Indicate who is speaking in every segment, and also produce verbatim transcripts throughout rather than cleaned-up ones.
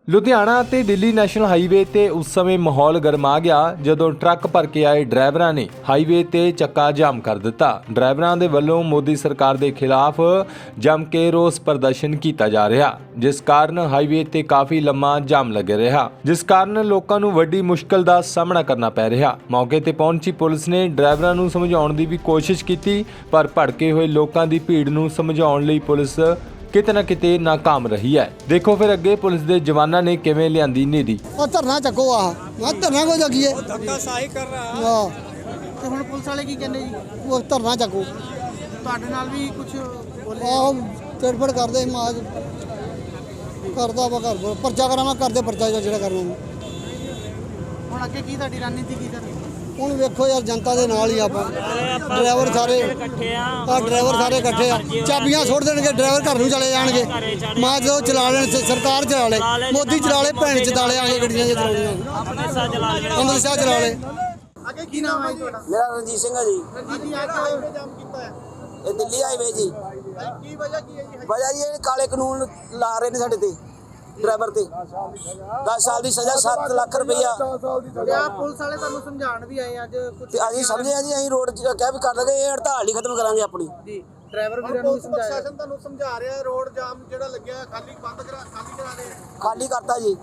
Speaker 1: ਲੁਧਿਆਣਾ ਤੇ Delhi national highway ਤੇ ਉਸ ਸਮੇਂ ਮਾਹੌਲ ਗਰਮਾ ਗਿਆ ਜਦੋਂ ਟਰੱਕ ਭਰ ਕੇ ਆਏ ਡਰਾਈਵਰਾਂ ਨੇ ਹਾਈਵੇ ਤੇ ਚੱਕਾ ਜਾਮ ਕਰ ਦਿੱਤਾ। ਡਰਾਈਵਰਾਂ ਦੇ ਵੱਲੋਂ ਮੋਦੀ ਸਰਕਾਰ ਦੇ ਖਿਲਾਫ ਜੰਮ ਕੇ ਰੋਸ ਪ੍ਰਦਰਸ਼ਨ ਕੀਤਾ ਜਾ ਰਿਹਾ, ਜਿਸ ਕਾਰਨ ਹਾਈਵੇ ਤੇ ਕਾਫੀ ਲੰਮਾ ਜਾਮ ਲੱਗਿਆ ਰਿਹਾ, ਜਿਸ ਕਾਰਨ ਲੋਕਾਂ ਨੂੰ ਵੱਡੀ ਮੁਸ਼ਕਲ ਦਾ ਸਾਹਮਣਾ ਕਰਨਾ ਪੈ ਰਿਹਾ। ਮੌਕੇ ਤੇ ਪਹੁੰਚੀ ਪੁਲਿਸ ਨੇ ਡਰਾਈਵਰਾਂ ਨੂੰ ਸਮਝਾਉਣ ਦੀ ਵੀ ਕੋਸ਼ਿਸ਼ ਕੀਤੀ, ਪਰ ਭੜਕੇ ਹੋਏ ਲੋਕਾਂ ਦੀ ਭੀੜ ਨੂੰ ਸਮਝਾਉਣ ਲਈ ਪੁਲਿਸ किते ना किते नाकाम रही है। देखो फिर अगे पुलिस दे जवानां ने किवें लियांदी नीदी।
Speaker 2: और धरना चको आ मैं धरना को जगिए
Speaker 3: धक्का साही कर रहा है।
Speaker 2: हां
Speaker 4: ਤੇ ਹੁਣ ਪੁਲਿਸ ਵਾਲੇ ਕੀ ਕਹਿੰਦੇ ਜੀ?
Speaker 2: वो धरना चको
Speaker 4: ਤੁਹਾਡੇ ਨਾਲ ਵੀ ਕੁਝ ਬੋਲੇ?
Speaker 2: आ तड़फड़ करदे माज करदा वा घर परचा करा मैं करदे परचा जेड़ा करना।
Speaker 4: ਹੁਣ ਅੱਗੇ ਕੀ ਤੁਹਾਡੀ ਰਣਨੀਤੀ ਕੀ ਸਰ?
Speaker 2: ਹੁਣ ਵੇਖੋ ਯਾਰ ਜਨਤਾ ਦੇ ਨਾਲ ਹੀ ਆਪਾਂ ਡਰਾਈਵਰ ਸਾਰੇ ਇਕੱਠੇ ਆ ਆ ਡਰਾਈਵਰ ਸਾਰੇ ਇਕੱਠੇ ਆ ਚਾਬੀਆਂ ਸੁੱਟ ਦੇਣਗੇ ਡਰਾਈਵਰ ਘਰ ਨੂੰ ਚਲੇ ਜਾਣਗੇ। ਮਾਂ ਜੋ ਚਲਾ ਲੈਣ ਸਰਕਾਰ ਚਲਾ ਲੈ ਮੋਦੀ ਚਲਾ ਲੈ ਭੈਣ ਚਲਾ ਲੈ ਆਗੇ ਗੱਡੀਆਂ ਜੇ ਚਲਾਉਣੀਆਂ ਅੰਮ੍ਰਿਤਸਰ ਚਲਾ ਲੈ ਅੰਮ੍ਰਿਤਸਰ ਚਲਾ ਲੈ।
Speaker 4: ਅੱਗੇ ਕੀ ਨਾਮ ਹੈ ਤੁਹਾਡਾ?
Speaker 5: मेरा रंजीत सिंह है जी।
Speaker 4: ਰਣਜੀਤ ਜੀ ਅੱਜ ਹਾਈਵੇ ਜਾਮ ਕੀਤਾ ਹੈ,
Speaker 5: ये दिल्ली हाईवे जी।
Speaker 4: ਕੀ ਵਜ੍ਹਾ ਕੀ ਹੈ ਜੀ?
Speaker 5: वजह जी ये काले कानून ला रहे ने साडे ते ड्राइवर ते दस साल की सजा सत्त लाख रुपया
Speaker 4: ਤੇ ਆ ਪੁਲਿਸ ਵਾਲੇ ਤੁਹਾਨੂੰ ਸਮਝਾਉਣ ਵੀ ਆਏ ਅੱਜ ਕੁਝ?
Speaker 5: ते असीं समझे जी असीं रोड क्या भी कर देंगे, ये हड़ताल ही खत्म करांगे अपनी
Speaker 4: ਜੀ ਡਰਾਈਵਰ ਵੀਰਾਂ ਨੂੰ ਵੀ ਸਮਝਾਇਆ।
Speaker 3: ਪ੍ਰਸ਼ਾਸਨ ਤੁਹਾਨੂੰ ਸਮਝਾ ਰਿਹਾ ਰੋਡ ਜਾਮ ਜਿਹੜਾ ਲੱਗਿਆ ਖਾਲੀ ਬੰਦ ਕਰਾ ਖਾਲੀ ਕਰਾ ਦੇ।
Speaker 5: खाली करता जी।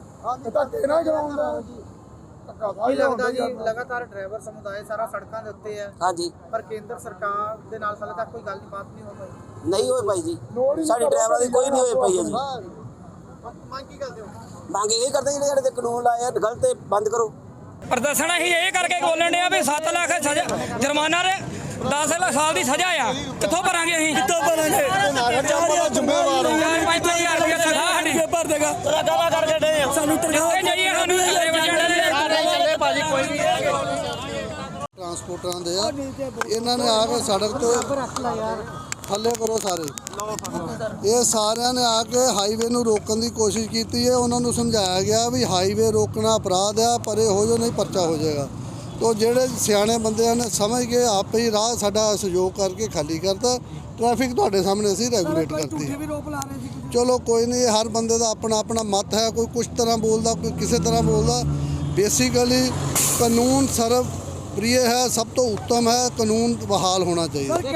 Speaker 4: ਕੀ ਲੱਗਦਾ ਜੀ ਲਗਾਤਾਰ ਡਰਾਈਵਰ ਸਮੁਦਾਇ ਸਾਰਾ ਸੜਕਾਂ ਦੇ ਉੱਤੇ ਹੈ,
Speaker 5: हाँ जी
Speaker 4: ਪਰ ਕੇਂਦਰ ਸਰਕਾਰ ਦੇ ਨਾਲ ਹਾਲੇ ਤੱਕ ਕੋਈ ਗੱਲ ਨਹੀਂ ਬਾਤ ਨਹੀਂ ਹੋ ਪਾਈ।
Speaker 5: नहीं होए पाई जी, साडी ड्राइवर की कोई नहीं होए पाई है जी।
Speaker 3: ਮੰਗ ਕੀ ਕਰਦੇ ਹੋ?
Speaker 5: मांग यही करते जी जेह्ड़े ते कानून लाए गलत है बंद करो।
Speaker 6: प्रदर्शन असीं ਇਹ ਕਰਕੇ ਬੋਲਣ ਡਿਆ ਵੀ ਸੱਤ ਲੱਖ ਸਜ਼ਾ ਜੁਰਮਾਨਾ ਤੇ ਦਸ ਸਾਲ ਦੀ ਸਜ਼ਾ ਆ। ਕਿੱਥੋਂ ਭਰਾਂਗੇ ਅਸੀਂ? ਕਿੱਥੋਂ ਭਰਾਂਗੇ? ਜ਼ਿੰਮੇਵਾਰ ਚਾਰ ਪੰਜ ਹਜ਼ਾਰ ਰੁਪਏ ਤਨਖਾਹ ਸਾਡੀ ਭਰ ਦੇਗਾ। ਤਨਖਾਹ ਕਰਕੇ ਡੇ ਸਾਨੂੰ ਤਨਖਾਹ ਜਾਈਏ ਸਾਨੂੰ ਥੱਲੇ ਵਜਾਣਾ ਦੇ ਭਾਜੀ ਕੋਈ ਨਹੀਂ
Speaker 2: ਟਰਾਂਸਪੋਰਟਰਾਂ ਦੇ ਆ ਇਹਨਾਂ ਨੇ ਆ ਕੇ ਸੜਕ ਤੇ ਥੱਲੇ ਕਰੋ ਸਾਰੇ। ਇਹ ਸਾਰਿਆਂ ਨੇ ਆ ਕੇ ਹਾਈਵੇ ਨੂੰ ਰੋਕਣ ਦੀ ਕੋਸ਼ਿਸ਼ ਕੀਤੀ ਹੈ। ਉਹਨਾਂ ਨੂੰ ਸਮਝਾਇਆ ਗਿਆ ਵੀ ਹਾਈਵੇ ਰੋਕਣਾ ਅਪਰਾਧ ਆ, ਪਰੇ ਹੋ ਜੋ ਨਹੀਂ ਪਰਚਾ ਹੋ ਜਾਏਗਾ। ਤੋ ਜਿਹੜੇ ਸਿਆਣੇ ਬੰਦਿਆਂ ਨੇ ਸਮਝ ਕੇ ਆਪੇ ਹੀ ਰਾਹ ਸਾਡਾ ਸਹਿਯੋਗ ਕਰਕੇ ਖਾਲੀ ਕਰਤਾ। ਟ੍ਰੈਫਿਕ ਤੁਹਾਡੇ ਸਾਹਮਣੇ ਅਸੀਂ ਰੈਗੂਲੇਟ ਕਰਤੀ। ਚਲੋ ਕੋਈ ਨਹੀਂ, ਹਰ ਬੰਦੇ ਦਾ ਆਪਣਾ ਆਪਣਾ ਮਤ ਹੈ, ਕੋਈ ਕੁਛ ਤਰ੍ਹਾਂ ਬੋਲਦਾ, ਕੋਈ ਕਿਸੇ ਤਰ੍ਹਾਂ ਬੋਲਦਾ। ਬੇਸਿਕਲੀ ਕਾਨੂੰਨ ਸਰਵ प्रिय है, सब तो उत्तम है, कानून बहाल होना चाहिए।
Speaker 4: ਬਹੁਤ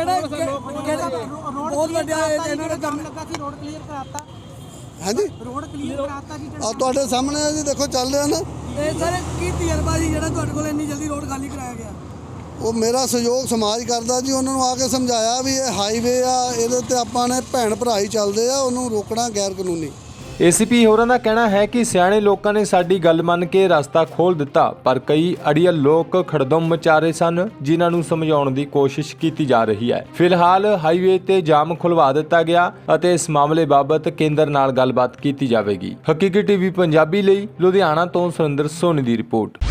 Speaker 4: ਵੱਡਾ ਇਹਨਾਂ ਨੇ ਕੰਮ ਲੱਗਾ ਸੀ, ਰੋਡ ਕਲੀਅਰ ਕਰਾਤਾ।
Speaker 2: हाँ जी
Speaker 4: ਰੋਡ ਕਲੀਅਰ ਕਰਾਤਾ ਜੀ।
Speaker 2: ਆ ਤੁਹਾਡੇ ਸਾਹਮਣੇ ਹੈ ਜੀ, ਦੇਖੋ ਚੱਲ ਰਿਹਾ ਨਾ।
Speaker 4: ਤੇ ਸਰ ਕੀ ਤਜਰਬਾ ਜੀ ਜਿਹੜਾ ਤੁਹਾਡੇ ਕੋਲ ਇੰਨੀ ਜਲਦੀ ਰੋਡ ਖਾਲੀ ਕਰਾਇਆ ਗਿਆ?
Speaker 2: ਉਹ ਮੇਰਾ ਸਹਿਯੋਗ ਸਮਾਜ ਕਰਦਾ ਜੀ। ਉਹਨਾਂ ਨੂੰ ਆ ਕੇ ਸਮਝਾਇਆ ਵੀ ਇਹ ਹਾਈਵੇ ਆ, ਇਹਦੇ ਤੇ ਆਪਾਂ ਨੇ ਭੈਣ ਭਰਾ ਹੀ ਚੱਲਦੇ ਆ, ਉਹਨੂੰ ਰੋਕਣਾ ਗੈਰ ਕਾਨੂੰਨੀ।
Speaker 1: ਏ ਸੀ ਪੀ ਹੋਰਾਂ ਦਾ ਕਹਿਣਾ ਹੈ ਕਿ ਸਿਆਣੇ ਲੋਕਾਂ ਨੇ ਸਾਡੀ ਗੱਲ ਮੰਨ ਕੇ ਰਸਤਾ ਖੋਲ੍ਹ ਦਿੱਤਾ, ਪਰ ਕਈ ਅੜੀਅਲ ਲੋਕ ਖੜਦਮ ਮਚਾ ਰਹੇ ਸਨ, ਜਿਨ੍ਹਾਂ ਨੂੰ ਸਮਝਾਉਣ ਦੀ ਕੋਸ਼ਿਸ਼ ਕੀਤੀ ਜਾ ਰਹੀ ਹੈ। ਫਿਲਹਾਲ ਹਾਈਵੇ ਤੇ ਜਾਮ ਖੁਲਵਾ ਦਿੱਤਾ ਗਿਆ ਅਤੇ ਇਸ ਮਾਮਲੇ ਬਾਬਤ ਕੇਂਦਰ ਨਾਲ ਗੱਲਬਾਤ ਕੀਤੀ ਜਾਵੇਗੀ। ਹਕੀਕੀ ਟੀਵੀ ਪੰਜਾਬੀ ਲਈ ਲੁਧਿਆਣਾ ਤੋਂ ਸੁਰਿੰਦਰ ਸੋਨੀ ਦੀ ਰਿਪੋਰਟ।